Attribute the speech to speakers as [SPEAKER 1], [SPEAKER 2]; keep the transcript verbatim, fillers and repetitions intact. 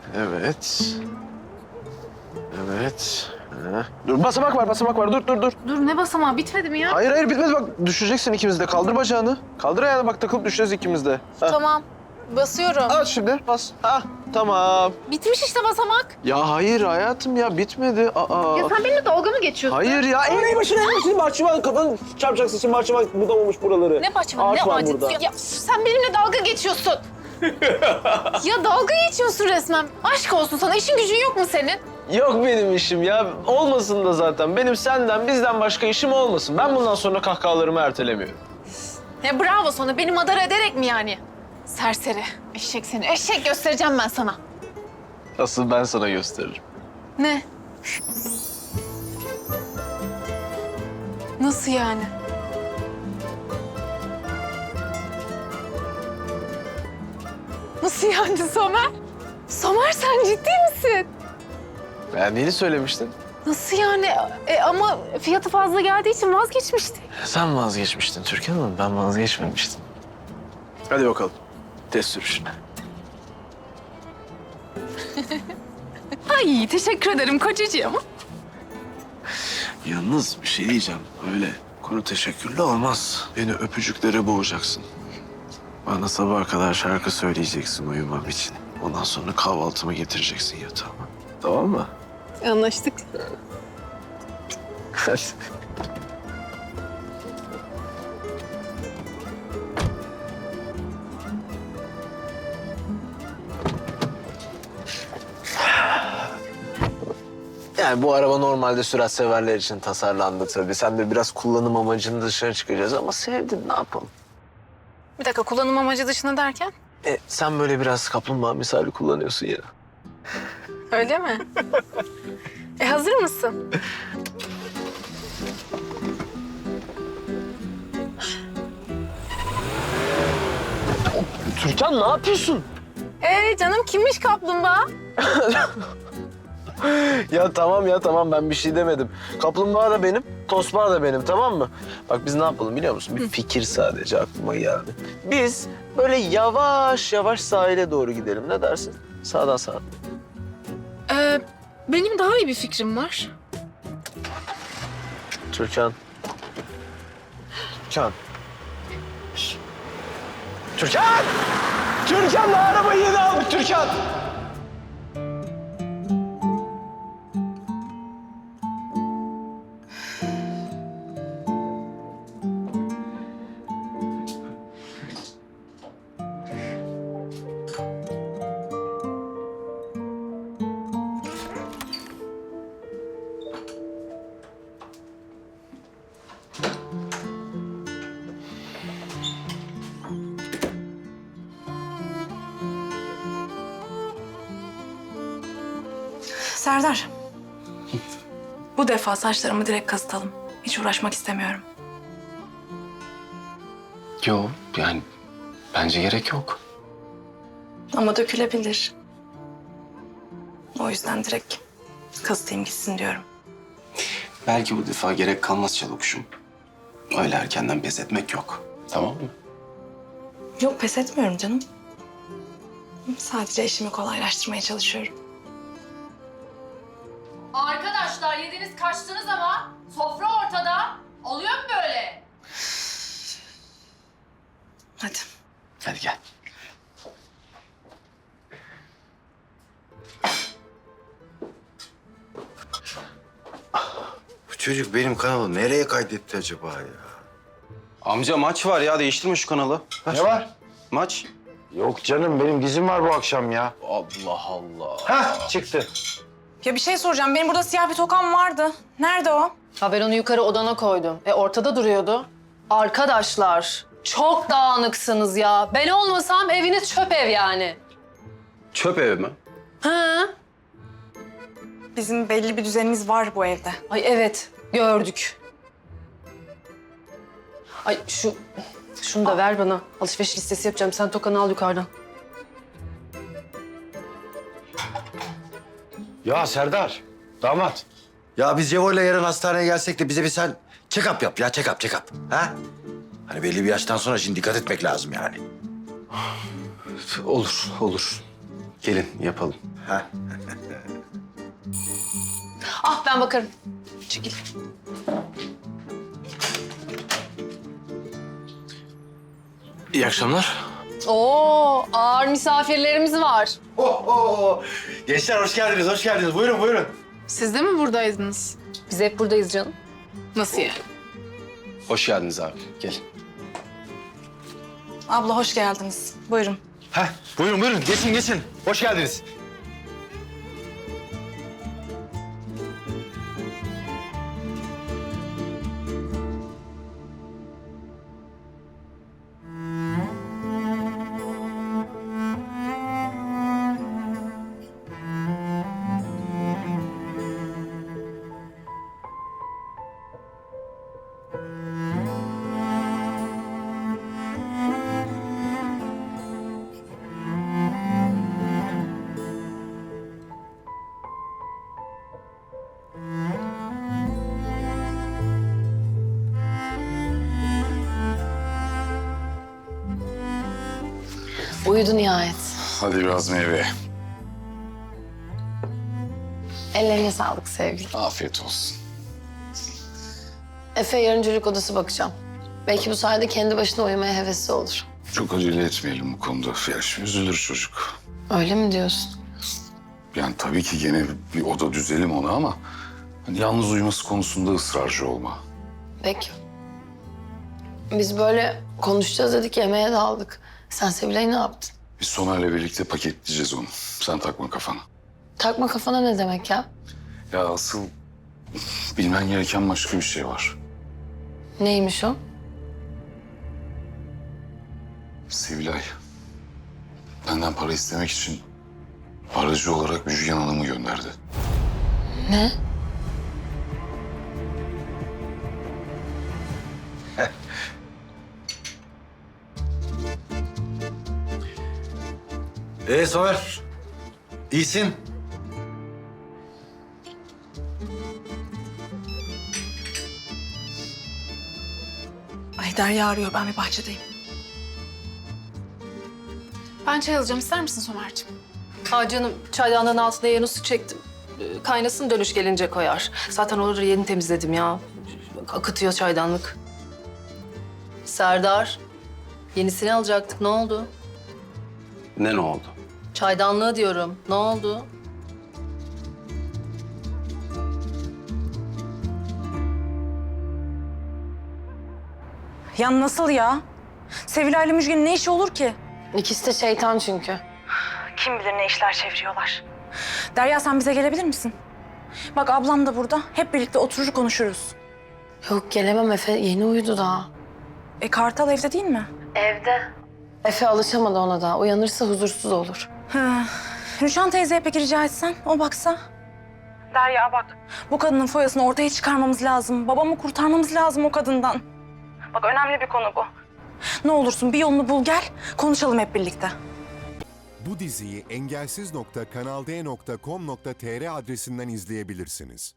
[SPEAKER 1] Evet. Evet. Heh. Dur basamak var, basamak var. Dur, dur, dur.
[SPEAKER 2] Dur ne basamağı bitmedi mi ya?
[SPEAKER 1] Hayır, hayır bitmedi. Bak düşeceksin ikimiz de. Kaldır bacağını. Kaldır ayağını. Bak takılıp düşeceğiz ikimiz de. Heh.
[SPEAKER 2] Tamam. Basıyorum.
[SPEAKER 1] Aç şimdi. Bas. Ah, tamam.
[SPEAKER 2] Bitmiş işte basamak.
[SPEAKER 1] Ya hayır hayatım ya bitmedi. Aa.
[SPEAKER 2] Ya sen benimle dalga mı geçiyorsun?
[SPEAKER 1] Hayır ya. Eğneği başına eğneği bahçıvan. Kafanı çarpacaksın. Şimdi bahçıvan budamamış buraları.
[SPEAKER 2] Ne bahçıvan,
[SPEAKER 1] Ağaç
[SPEAKER 2] ne
[SPEAKER 1] var
[SPEAKER 2] ağacı?
[SPEAKER 1] burada.
[SPEAKER 2] Ya, ya sen benimle dalga geçiyorsun. Ya dalga geçiyorsun resmen. Aşk olsun sana. İşin gücün yok mu senin?
[SPEAKER 1] Yok benim işim ya. Olmasın da zaten. Benim senden, bizden başka işim olmasın. Ben bundan sonra kahkahalarımı ertelemiyorum.
[SPEAKER 2] Ya bravo sana. Beni madara ederek mi yani? Serseri. Eşek seni. Eşek göstereceğim ben sana.
[SPEAKER 1] Asıl ben sana gösteririm.
[SPEAKER 2] Ne? Nasıl yani? Nasıl yani Somer? Somer sen ciddi misin?
[SPEAKER 1] Beğendiğini söylemiştin.
[SPEAKER 2] Nasıl yani? E, ama fiyatı fazla geldiği için vazgeçmişti.
[SPEAKER 1] Sen vazgeçmiştin Türkan Hanım. Ben vazgeçmemiştim. Hadi bakalım. Test sürüşüne.
[SPEAKER 2] Ay teşekkür ederim kocacığım.
[SPEAKER 1] Yalnız bir şey diyeceğim. Öyle konu teşekkürlü olmaz. Beni öpücüklere boğacaksın. Bana sabaha kadar şarkı söyleyeceksin uyumam için. Ondan sonra kahvaltımı getireceksin yatağıma. Tamam mı?
[SPEAKER 2] Anlaştık.
[SPEAKER 1] Hadi. Yani bu araba normalde sürat severler için tasarlandı tabii. Sen de biraz kullanım amacını dışına çıkacağız ama sevdin ne yapalım?
[SPEAKER 2] Bir dakika kullanım amacı dışında derken?
[SPEAKER 1] E, sen böyle biraz kaplumbağa misali kullanıyorsun ya.
[SPEAKER 2] Öyle mi? e hazır mısın?
[SPEAKER 1] Türkan ne yapıyorsun?
[SPEAKER 2] Ee canım kimmiş kaplumbağa?
[SPEAKER 1] Ya tamam ya tamam ben bir şey demedim. Kaplumbağa da benim, tosbağa da benim tamam mı? Bak biz ne yapalım biliyor musun? Bir fikir sadece aklıma geldi. Biz böyle yavaş yavaş sahile doğru gidelim. Ne dersin? Sağdan sağa.
[SPEAKER 2] Ee, benim daha iyi bir fikrim var.
[SPEAKER 1] Türkan. Türkan. Türkan! Türkan da arabayı yeni aldık Türkan!
[SPEAKER 3] Serdar. Bu defa saçlarımı direkt kazıtalım. Hiç uğraşmak istemiyorum.
[SPEAKER 4] Yok yani bence gerek yok.
[SPEAKER 3] Ama dökülebilir. O yüzden direkt kazıtayım gitsin diyorum.
[SPEAKER 4] Belki bu defa gerek kalmaz Çalıkuşum. Öyle erkenden pes etmek yok. Tamam mı?
[SPEAKER 3] Yok pes etmiyorum canım. Sadece işimi kolaylaştırmaya çalışıyorum.
[SPEAKER 5] Arkadaşlar yediniz kaçtınız ama sofra ortada. Oluyor mu böyle?
[SPEAKER 3] Hadi.
[SPEAKER 4] Hadi gel.
[SPEAKER 6] Bu çocuk benim kanalı nereye kaydetti acaba ya?
[SPEAKER 4] Amca maç var ya değiştirme şu kanalı.
[SPEAKER 6] Ne var?
[SPEAKER 4] Maç.
[SPEAKER 6] Yok canım benim dizim var bu akşam ya.
[SPEAKER 4] Allah Allah.
[SPEAKER 6] Hah çıktı.
[SPEAKER 3] Ya bir şey soracağım. Benim burada siyah bir tokam vardı. Nerede o?
[SPEAKER 7] Ha ben onu yukarı odana koydum. E ortada duruyordu. Arkadaşlar çok dağınıksınız ya. Ben olmasam eviniz çöp ev yani.
[SPEAKER 4] Çöp evi mi?
[SPEAKER 7] Ha?
[SPEAKER 3] Bizim belli bir düzenimiz var bu evde.
[SPEAKER 7] Ay evet gördük. Ay şu şunu da ver bana. Alışveriş listesi yapacağım. Sen tokanı al yukarıdan.
[SPEAKER 6] Ya Serdar, damat. Ya biz Cevo'yla yarın hastaneye gelsek de bize bir sen check-up yap ya check-up check-up. Ha? Hani belli bir yaştan sonra şimdi dikkat etmek lazım yani.
[SPEAKER 4] Olur, olur. Gelin yapalım.
[SPEAKER 6] Ha?
[SPEAKER 7] Ah ben bakarım. Çekil.
[SPEAKER 4] İyi akşamlar.
[SPEAKER 7] Oo ağır misafirlerimiz var.
[SPEAKER 6] Oh, oh, oh. Gençler hoş geldiniz, hoş geldiniz. Buyurun, buyurun.
[SPEAKER 2] Siz de mi buradaydınız?
[SPEAKER 7] Biz hep buradayız canım.
[SPEAKER 2] Nasıl yani?
[SPEAKER 4] Hoş geldiniz abi. Gelin.
[SPEAKER 3] Abla hoş geldiniz. Buyurun.
[SPEAKER 6] Heh, buyurun, buyurun. Geçin, geçin. Hoş geldiniz.
[SPEAKER 7] Uyudu nihayet.
[SPEAKER 8] Hadi biraz meyve.
[SPEAKER 7] Ellerine sağlık sevgilim.
[SPEAKER 8] Afiyet olsun.
[SPEAKER 7] Efe yarın çocuk odası bakacağım. Belki bu sayede kendi başına uyumaya hevesli olur.
[SPEAKER 8] Çok acele etmeyelim bu konuda. Ya şimdi üzülür çocuk.
[SPEAKER 7] Öyle mi diyorsun?
[SPEAKER 8] Yani tabii ki gene bir oda düzelim ona ama... Hani yalnız uyuması konusunda ısrarcı olma.
[SPEAKER 7] Peki. Biz böyle konuşacağız dedik, yemeğe daldık. Sen Sevilay'ı ne yaptın?
[SPEAKER 8] Biz Somer'le birlikte paketleyeceğiz onu. Sen takma kafana.
[SPEAKER 7] Takma kafana ne demek ya?
[SPEAKER 8] Ya asıl bilmen gereken başka bir şey var.
[SPEAKER 7] Neymiş o?
[SPEAKER 8] Sevilay. Benden para istemek için aracı olarak Müjgan Hanım'ı gönderdi.
[SPEAKER 7] Ne?
[SPEAKER 6] Ee Somer, iyisin.
[SPEAKER 3] Ay Derya arıyor. Ben bir bahçedeyim.
[SPEAKER 2] Ben çay alacağım. İster misin Somer'cim?
[SPEAKER 7] Aa canım, çaydanlığın altına yeni su çektim. Ee, Kaynasın, dönüş gelince koyar. Zaten oraları yeni temizledim ya. Akıtıyor çaydanlık. Serdar, yenisini alacaktık. Ne oldu?
[SPEAKER 4] Ne ne oldu?
[SPEAKER 7] Çaydanlığı diyorum. Ne oldu?
[SPEAKER 3] Ya nasıl ya? Sevilay'la Müjgan'ın ne işi olur ki?
[SPEAKER 7] İkisi de şeytan çünkü.
[SPEAKER 3] Kim bilir ne işler çeviriyorlar. Derya sen bize gelebilir misin? Bak ablam da burada. Hep birlikte oturur konuşuruz.
[SPEAKER 7] Yok gelemem, Efe yeni uyudu daha.
[SPEAKER 3] E Kartal evde değil mi?
[SPEAKER 7] Evde. Efe alışamadı ona daha. Uyanırsa huzursuz olur.
[SPEAKER 3] Hı. Rüçhan teyzeye peki rica etsen, o baksa. Derya bak, bu kadının foyasını ortaya çıkarmamız lazım. Babamı kurtarmamız lazım o kadından. Bak önemli bir konu bu. Ne olursun bir yolunu bul gel, konuşalım hep birlikte.
[SPEAKER 9] Bu diziyi engelsiz nokta kanal d nokta com nokta tr adresinden izleyebilirsiniz.